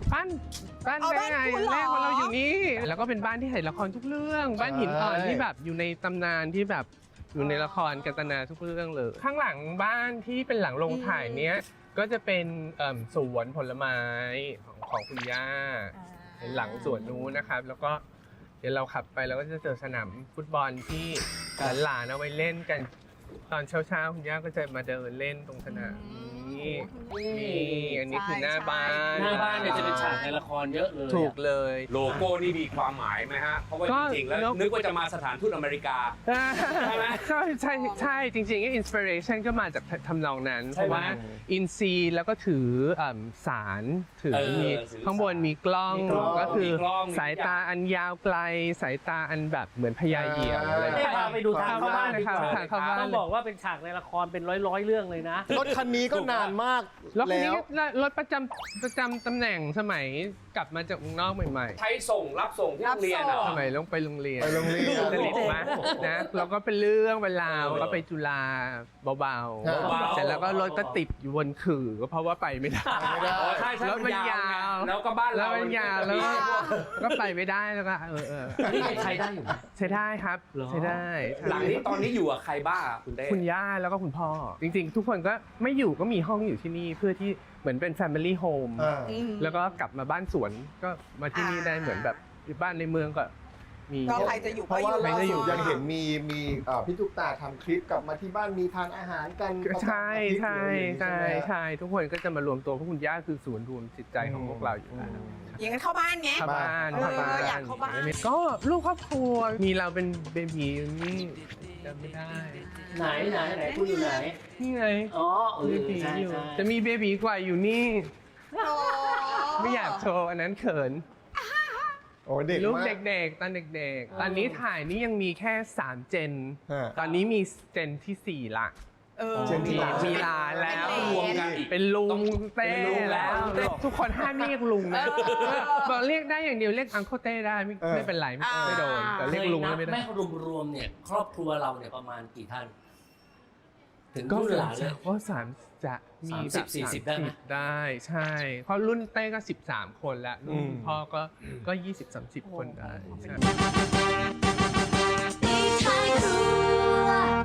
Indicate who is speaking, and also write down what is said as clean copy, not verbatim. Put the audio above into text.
Speaker 1: บ้านได้ไงแรกของเราอยู่นี่แล้วก็เป็นบ้านที่ถ่ายละครทุกเรื่องบ้านหินอ่อนที่แบบอยู่ในตำนานที่แบบอยู่ในละครกันตนาทุกเรื่องเลยข้างหลังบ้านที่เป็นหลังโรงถ่ายเนี้ยก็จะเป็นสวนผลไม้ของคุณย่าหลังสวนนู้นนะครับแล้วก็เดี๋ยวเราขับไปเราก็จะเจอสนามฟุตบอลที่หลานๆเอาไว้เล่นกันตอนเช้าๆคุณย่าก็จะมาเดินเล่นตรงสนามนี่อันนี้คือหน้าบ้าน
Speaker 2: เนี่ยจะเป็นฉากในละครเยอะเลย
Speaker 1: ถูกเลย
Speaker 3: โลโก้นี่มีความหมายไหมฮะเพราะว่าจริงๆแล้วนึกว่าจะมาสถานทูตอเมริกาใช่ไหม
Speaker 1: ใช่จริงๆอินสปิเรชันก็มาจากทำนองนั้นเพราะว่าอินซีแล้วก็ถือสารถือมีข้างบนมีกล้องก็คือสายตาอันยาวไกลสายตาอันแบบเหมือนพญาเหยี่ยวอะไร
Speaker 2: ไปดูทางเข้าบ้าน
Speaker 1: นะครับ
Speaker 2: ต้องบอกว่าเป็นฉากในละครเป็นร้อยเรื่องเลยนะ
Speaker 4: รถคันนี้ก็นานมาก
Speaker 1: รถคันนี้รถประจำตำแหน่งสมัยกลับมาจากเมืองนอกใหม่
Speaker 3: ๆใช้ส่งรับส่งที่โรงเรียน
Speaker 1: สมัยลงไปโรงเรียน
Speaker 4: ส
Speaker 1: นิทมานะเราก็เป็นเรื่องเวลาก็ไปจุฬาเบาๆเสร็จแล้วก็รถก็ติดอยู่บนขื่อก็เพราะว่าไปไม่ได้
Speaker 3: รถมันยาวแล้วก็บ้านเรา
Speaker 1: มันยาวแล้วก็ไปไม่ได้แล้วก็
Speaker 2: นี่ใช้ได้อยู่
Speaker 1: ใช้ได้ครับใช้ได้
Speaker 3: หลังนี้ตอนนี้อยู่กับใครบ้างคุณเต้
Speaker 1: คุณย่าแล้วก็คุณพ่อจริงๆทุกคนก็ไม่อยู่ก็มีห้องอยู่ที่นี่เพื่อที่เหมือนเป็น Family Home แล้วก็กลับมาบ้านสวนก็มาที่นี่ได้เหมือนแบบบ้านในเมืองก็มี
Speaker 5: ก็ใครจะอยู่
Speaker 4: เพราะว่าไม่ได้อยู่ยังเห็นมีพี่ตุ๊กตาทำคลิปกลับมาที่บ้านมีทานอาหารกัน
Speaker 1: ใช่ทุกคนก็จะมารวมตัวเพราะคุณย่าคือศูนย์รวมจิตใจของพวกเราอยู่แล้ว
Speaker 5: อย่างนั้นเข้าบ้านไง
Speaker 1: เข้าบ้าน
Speaker 5: อยากเข้าบ้าน
Speaker 1: ก็ลูกครอบครัวมีเราเป็นเบบีนี่จำไม่ได้
Speaker 2: ไหนคุณอยู่ไหน
Speaker 1: นี่ไง
Speaker 2: อ๋อ
Speaker 1: เบบีอยู่จะมีเบบีกว่าอยู่นี่ไม่อยากโชว์อันนั้นเขินลูกเด็กๆตอนเด็กๆตอนนี้ถ่ายนี่ยังมีแค่3เจนตอนนี้มีเจนที่4ละมีลาแล้ว
Speaker 3: รวมกัน
Speaker 1: เป็นลุงเต้แล้วทุกคนห้ามเรียกลุงนะบอกเรียกได้อย่างเดียวเรียกอังเคิลเต้ได้ไม่เป็นไรไม่โดนแต่เรียกลุงไม่ได้
Speaker 2: แม่รวมเนี่ยครอบครัวเราเนี่ยประมาณกี่ท่านถึงรุ่นหลานเลย
Speaker 1: ก็จะมี
Speaker 2: 30-40ได้ไหม
Speaker 1: ได้ใช่เพราะรุ่นเต้ก็13คนแล้วรุ่นพ่อก็20-30 คนได้